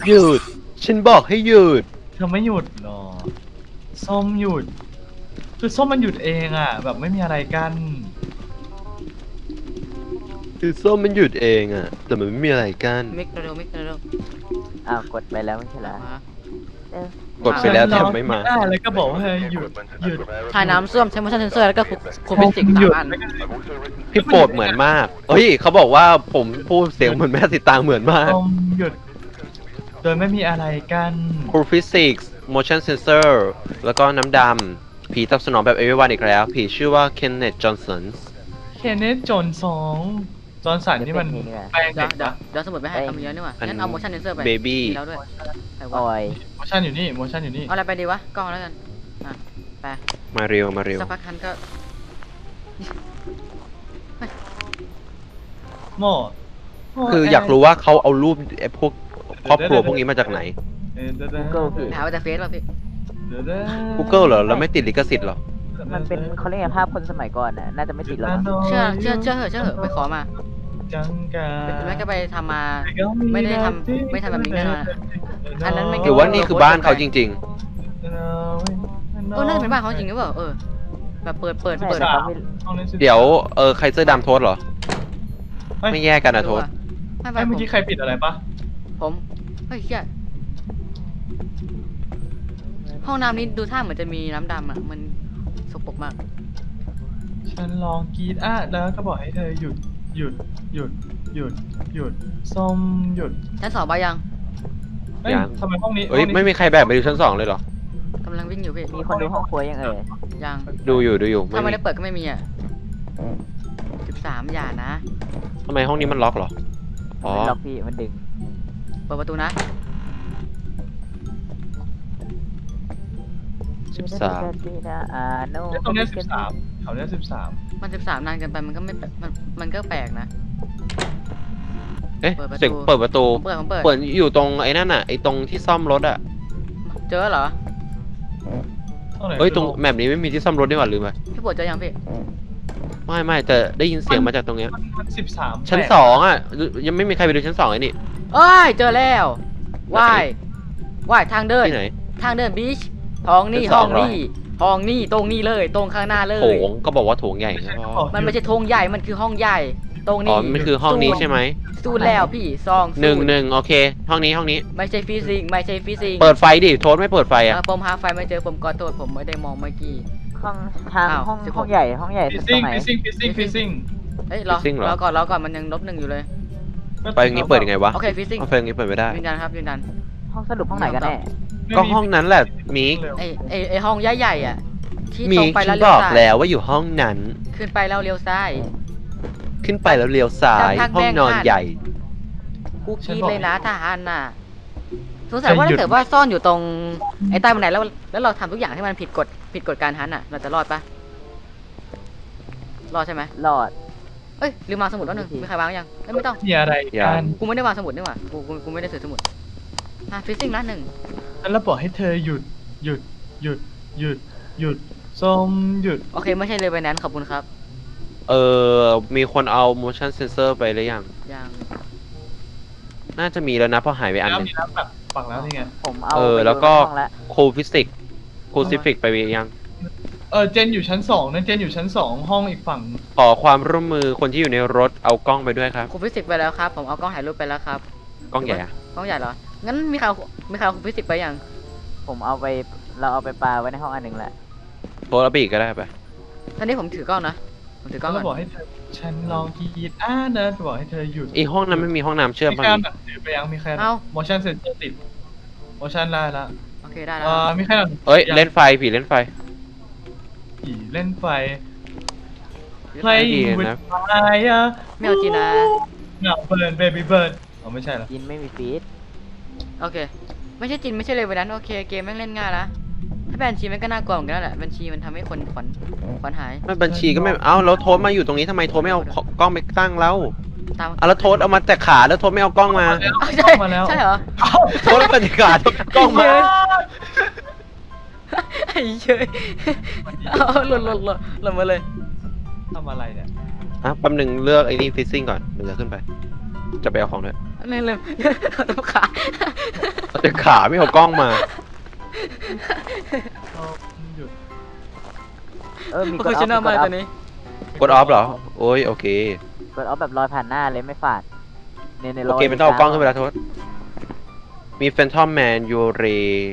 หยุดฉันบอกให้หยุดเธอไม่หยุดหรอส้มหยุดคือส้มมันหยุดเองอ่ะแบบไม่มีอะไรกันคือส้มมันหยุดเองอะแต่มันไม่มีอะไรกันมิกเร็วมิกเร็วอ้าวกดไปแล้วไม่ใช่เหรอกดไปแล้วแต่ไม่มาแล้วก็บอกว่าหยุดหยุดถ่ายน้ำส้วมใช้ motion sensor แล้วก็คุมฟิสิกส์สามอันพี่โปรดเหมือนมากเฮ้ยเขาบอกว่าผมพูดเสียงเหมือนแม่สิตางเหมือนมากส้มหยุดโดยไม่มีอะไรกันครูฟิสิกส์ motion sensor แล้วก็น้ำดำผีตอบสนองแบบ everyone อีกแล้วผีชื่อว่า Kenneth Johnson เคนเนตจนสองจอนสันนี่มันแปลงเดี๋เด็ยวกเดี๋ยวสมุดไปให้เอามีเยอะนี่หว่างั้นเอา motion sensor ไป Baby มีแล้วด้วยไปวะโอ้ยโมชั่นอยู่นี่โมชั่นอยู่นี่เอาอะไรไปดีวะกล้องแล้วกันไปมาเร็วมาเร็วสักพักคันก็โม่คืออยากรู้ว่าเขาเอารูปไอ้พวกครอบครัวพวกนี้มาจากไหน Google พี่หามาจากเฟซป่ะพี่ Google เหรอแล้วไม่ติดลิขสิทธิ์เหรอมันเป็นเขาเรียกไงภาพคนสมัยก่อนน่ะน่าจะไม่ติดหรอกมั้งเชื่อเหอะไปขอมาจังกาแม่ก็ไปทำมาไม่ได้ทำแบบนี้แน่นอนอันนั้นไม่หรือว่านี่คือบ้านเขาจริงน่าจะเป็นบ้านเขาจริงหรือเปล่าแบบเปิดใช่แต่เขาไม่ๆ เดี๋ยวใครเสื้อดำโทษเหรอ ไม่แยกกันนะโทษไม่เมื่อกี้ใครปิดอะไรปะผมเฮ้ยเชี่ยห้องน้ำนี้ดูท่าเหมือนจะมีน้ำดำอ่ะมันสกปรกมากฉันลองกรีดแล้วก็บอกให้เธอหยุดหยุดหยุดหยุดหยุดส้มหยุดชั้นสองไปยังทำไมห้องนี้เฮ้ยไม่มีใครแบกไปดูชั้น2เลยเหรอกำลังวิ่งอยู่พี่มีคนดูห้องครัวยังยังดูอยู่ถ้าไม่มีได้เปิดก็ไม่มีอ่ะ13อย่านะทำไมห้องนี้มันล็อกเหรอ อ๋อไม่ล็อกพี่มันดึงเปิดประตูนะ 13 ตรงนี้13แถวนี้13 มัน13นานเกินไปมันก็ไม่มันก็แปลกนะเอ๊ะเปิดประตูเสียงเปิดประตูผมเปิดเปิดอยู่ตรงไอ้นั่นน่ะไอ้ตรงที่ซ่อมรถอ่ะเจอเหรอเฮ้ยตรงแมปนี้ไม่มีที่ซ่อมรถนี่หว่าลืมไปพี่ปวดเจอยังพี่ไม่แต่ได้ยินเสียงมาจากตรงเนี้ยมัน13 ชั้น2อ่ะยังไม่มีใครไปดูชั้น2ไอ้นี่เอ้ยเจอแล้วว่ายทางเดินที่ไหนทางเดินบีชห้องนี้ชั้นสห้ออง งนี้ห้องนี้ตรงนี้เลยตรงข้างหน้าเลยโถงก็บอกว่าโถงใหญ่ไงพ่อมันไม่ใช่โถงใหญ่มันคือห้องใหญ่ ตรงอ๋อนี้มันคือห้องนี้ใช่ไหมสูดแล้วพี่ซองหนึ่งโอเค ห้องนี้ไม่ใช่ฟิสิกส์ไม่ใช่ฟิสิกส์เปิดไฟดิโทษไม่เปิดไฟอ่ะผมหาไฟไม่เจอผมขอโทษผมไม่ได้มองเมื่อกี้ห้องทางอ้าวห้องใหญ่ตฟิรซิ่งงไหนฟิซิ่งเอ้ยรอก่อนมันยัง-1อยู่เลยไฟอย่างนี้เปิดยังไงวะโอเคฟิสิกส์ไฟอย่างนี้เปิดไม่ได้ยืนยันครับยืนยันห้องสรุปห้องไหนกันแน่ก็ห้องนั้นแหละมิกไอห้องใหญ่ๆอ่ะที่มิตรงกไปฉัแล้วนเลี้บยวอกซ้ายแล้วว่าอยู่ห้องนั้นขึ้นไปแล้วเลี้ยวซ้ายขึ้นไปแล้วเลี้ยวซ้ายทางห้องนอนแบ่งใหญ่กูคิดเลยนะทหารน่ะสงสัยว่าถ้าเกิดว่าซ่อนอยู่ตรงไอ้ใต้บันไดแล้วเราทำทุกอย่างให้มันผิดกฎการฮันน่ะเราจะรอดปะรอดใช่ไหมหลอดเอ้ยลืมวางสมุดแล้วหนึ่งมีใครวางยังไม่ต้องมีอะไรกันกูไม่ได้วางสมุดนี่หว่ากูไม่ได้ถือสมุดฟิซซิ่งละ1 ฉันแล้วบอกให้เธอหยุดหยุดหยุดหยุดหยุดส้มหยุดโอเคไม่ใช่เลยไปนั้นขอบคุณครับมีคนเอา motion sensor ไปหรือยังยังน่าจะมีแล้วนะเพราะหายไปอันหนึงมีแล้วแบบฝังแล้วนี่ไงผมเอาแล้วก็ไปดูในห้องละครูฟิสิกส์ครูซิฟิกไปยังเจนอยู่ชั้น2นะเจนอยู่ชั้น2ห้องอีกฝั่งขอความร่วมมือคนที่อยู่ในรถเอากล้องไปด้วยครับครูฟิสิกส์ไปแล้วครับผมเอากล้องถ่ายรูปไปแล้วครับกล้องใหญ่อะกล้องใหญ่เหรองั้นมีใครเอาครูฟิสิกส์ไปยังผมเอาไปเราเอาไปปาไว้ในห้องอันหนึ่งแหละโทรเอาไปอีกก็ได้ไปตอนนี้ผมถือกล้องนะผมถือกล้องแล้วก่บออน กให้เธอฉันลองกรีดนะบอกให้เธอหยุดอีห้องนั้นไม่มีห้องน้ำเชื่อมมีป่ะใครมิหนังสือไปยังมีใคร motion sensor ติด motion ได้ละโอเคได้แล้วมีใครหนังเอ้ยเล่นไฟผีเล่นไฟผีเล่นไฟดี playing นะ with fire ไม่เอาจริงนะเงาเบิร์น baby bird อ๋อไม่ใช่เหรอกินไม่มีฟีดโอเคไม่ใช่จินไม่ใช่เลยวันนั้นโอเคเกมแม่งเล่นง่ายนะถ้าแบนชีมันก็น่ากลัวเหมือนกันแหละแบนชีมันทำให้คนขวัญหายไม่บัญชีก็ไม่เอ้าแล้วโทษมาอยู่ตรงนี้ทำไมโทษไม่เอากล้องไปตั้งแล้วตามแล้วโทษเอามาแต่ขาแล้วโทษไม่เอากล้องมาใช่มาแล้วใช่เหรอโทษแล้วแต่ขาโทษกล้องมาไอ้เชยเอาหล่นมาเลยทำอะไรเนี่ยแป๊บนึงเลือกไอ้นี่ฟิซซิ่งก่อนเดี๋ยวจะขึ้นไป จะไปเอาของด้วยลืมตัวขาเอาแต่ขาไม่เอากล้องมาส้มหยุดมีโปรเฟชชั่นอลมากตัวนี้กดออฟเหรอ โอ้ยโอเคกดออฟแบบลอยผ่านหน้าเลยไม่ฝาดในโอเคเป็นต้องเอากล้องขึ้นไปแล้วโทษมีแฟนทอมแมนยูเร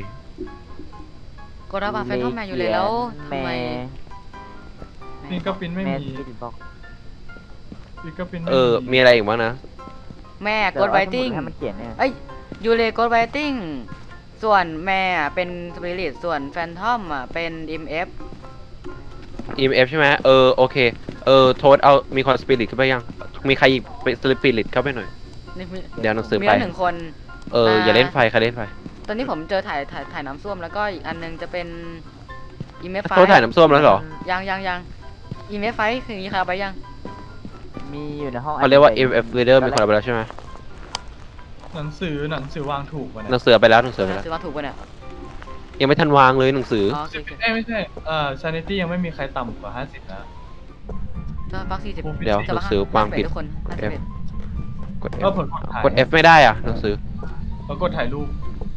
กดรับแฟนทอมแมนอยู่เลยแล้วทำไมฟิงเก็ปิ้นไม่แม่มีสปิริตบ็อกฟิงเก็ปิ้นไม่มีอะไรอีกบ้างนะแม่กดไวติ้งให้มันเขียนเนี่ยเอ้ยยูเลกดไวติ้งส่วนแม่อะเป็นสปิริตส่วนแฟนทอมอ่ะเป็น EMF EMF ใช่ไหมโอเคโทษเอามีคอนสปิริตขึ้นไปยัง มีใครอีกเป็นสปิริตเข้าไปหน่อยนี่มีเดี๋ยวหนังสือมีไปแล้วหนึ่งคนอย่าเล่นไฟใครเล่นไฟตอนนี้ผมเจอถ่ายน้ำส้วมแล้วก็อีกอันนึงจะเป็น EMF ไฟโทษถ่ายน้ำส้วมแล้วเหรอยัง EMF ไฟคืออย่างนี้ใครเอาไปยังมีอยู่ในห้องเขาเรียกว่า EMF reader มีคนเอาไปแล้วใช่ไหมหนังสือวางถูกป่ะหนัเนี่ยงสือไปแล้วหนังสือไปแล้วซื้อมาถูกป่ะเนี่ยยังไม่ทันวางเลยหนังสืออ๋อโอเคไม่ใช่sanity ยังไม่มีใครต่ำกว่า50นะก็ฟัก40 เดี๋ยวหนังสือวางผิดทุกคน F กดก็ F ผลกดถ่ายกด F ไม่ได้อ่ะหนังสือแล้วกดถ่ายรูป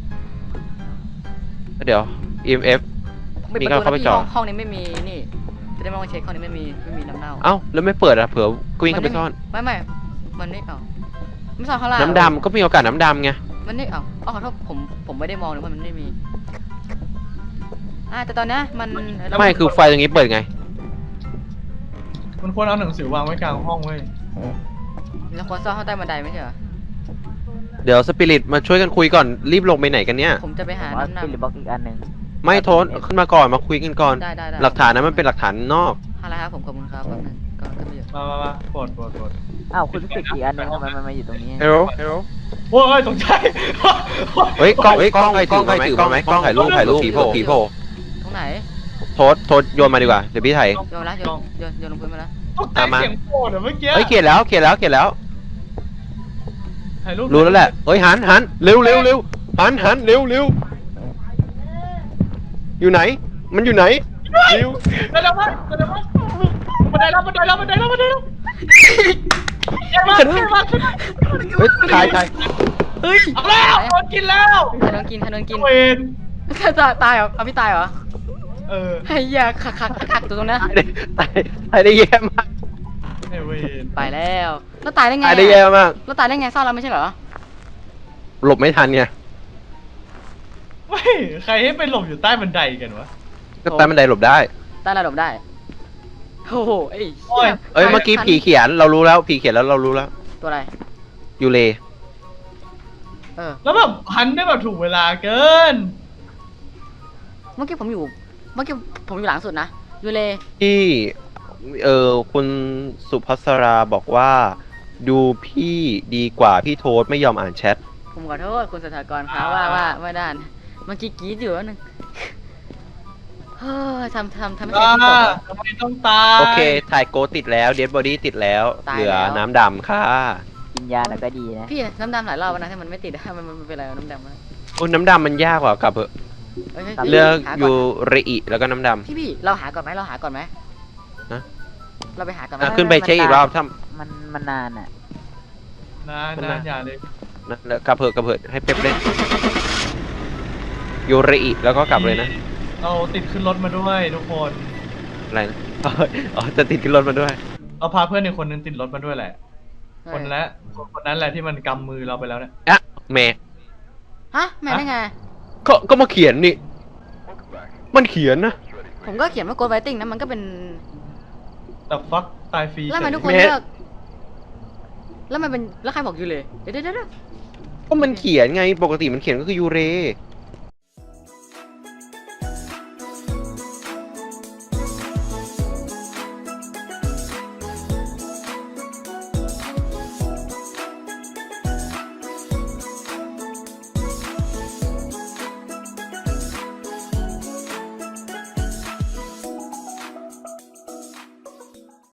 เดี๋ยว EMF 51 มีการเข้าไปจอดห้องนี้ไม่มีนี่จะได้ไม่ต้องเช็คห้องนี้ไม่มีน้ำเน่าเอ้าแล้วไม่เปิดอ่ะเผื่อวิ่งเข้าไปซ่อนไม่มันไม่เอาไม่ซ่อนข้างล่างน้ำดำก็มีโอกาสน้ำดำไงมันไม่เอาอ๋อขอโทษผมไม่ได้มองเลยว่ามันไม่มีแต่ตอนนี้มันไม่คือไฟตรงนี้เปิดไงมันควรเอาหนังสือวางไว้กลางห้องเว้ยเราควรซ่อนข้างใต้บันไดไม่ใช่เหรอเดี๋ยวสปิริตมาช่วยกันคุยก่อนรีบลงไปไหนกันเนี่ยผมจะไปหาว่าน้ำสปิริตบ็อกอีกอันหนึ่งไม่โทษขึ้นมาก่อนมาคุยกันก่อนได้หลักฐานนั้นมันเป็นหลักฐานนอกอะไรครับผมขอบคุณครับแป๊บนึงก็ขึ้นไปอยู่มาปลดอ้าวคุณรู้สึกอีกอันหนึงทำไมมันมาอยู่ตรงนี้เฮลโลโอ้ยตกใจเฮ้ยกล้องใครถือมาไหมกล้องไหมกล้องถ่ายรูปผีโผล่ตรงไหนโทษโยนมาดีกว่าเดี๋ยวพี่ถ่ายโยนแล้วโยนลงพื้นมาแล้วตกใจเสียงโกรธอะเมื่อกี้เฮ้ยเขียนแล้วถ่ายรูปรู้แล้วแหละเฮ้ยหันเร็วหันเร็วอยู่ไหน มันอยู่ไหนเร็วบันไดแล้วบันไดแล้วเฮ้ยถ่ายเฮ้ยเอาแล้วโดนกินแล้วใครโดนกินเวนตายเหรอเอาพี่ตายเหรอ ไอ้ยาขักตัวตรงนั้นถ่ายได้แย่มากเวนไปแล้วตายได้ไงถ่ายได้แย่มากแล้วตายได้ไงซ่อนแล้วไม่ใช่เหรอหลบไม่ทันไงไม่ใครให้ไปหลบอยู่ใต้บันไดกันวะก็ใต้บันไดหลบได้ใต้ระดับได้โอ้โหเอ้ยเอ้ยเมื่อกี้ผีเขียนเรารู้แล้วผีเขียนแล้วเรารู้แล้วตัวอะไรยูเลแล้วแบบพันได้แบบถูกเวลาเกินเมื่อกี้ผมอยู่หลังสุดนะยูเลที่คุณสุภัสราบอกว่า ดูพี่ดีกว่าพี่โทษไม่ยอมอ่านแชทผมขอโทษคุณสถากรครับว่าไม่ได้เมื่อกี้กรี๊ดอยู่แล้วนึงเฮ้ยทำให้ใช่ที่ตกทำไมต้องตายโอเคถ่ายโกติดแล้วเดดบอดี้ติดแล้วตายเหลือแล้วน้ำดำค่ะกินยาหน่อยก็ดีนะพี่น้ำดำหลายรอบแล้วนะถ้ามันไม่ติดมันเป็นอะไรน้ำดำวะโอ้น้ำดำมันยากกว่ากลับเถอะเอ้ยเลือกหายูเรอิแล้วก็น้ำดำพี่เราหาก่อนไหมฮะเราไปหาก่อนไหมขึ้นไปเช็คอีกรอบถ้ามันนานอ่ะนานอย่าเลยแล้วกลับเถอะให้เป๊ปเล่นยูเรอิแล้วก็กลับเลยนะเอาติดขึ้นรถมาด้วยทุกคนอะไรนะ อ๋อจะติดขึ้นรถมาด้วยเอาพาเพื่อนอีกคนนึงติดรถมาด้วยแหละ คนนั้นแหละที่มันกำมือเราไปแล้วเนี่ยอะแม่ฮะแม่ได้ไงก็มาเขียนนี่ มันเขียนนะผมก็เขียนว่ากดไวติ้งนะมันก็เป็นแต่ฟักตายฟรีแล้วทำไมทุกคนแม่เลือกแล้วมันเป็นแล้วใครบอกยูเลยเดี๋ยวก็มันเขียนไงปกติมันเขียนก็คือยูเร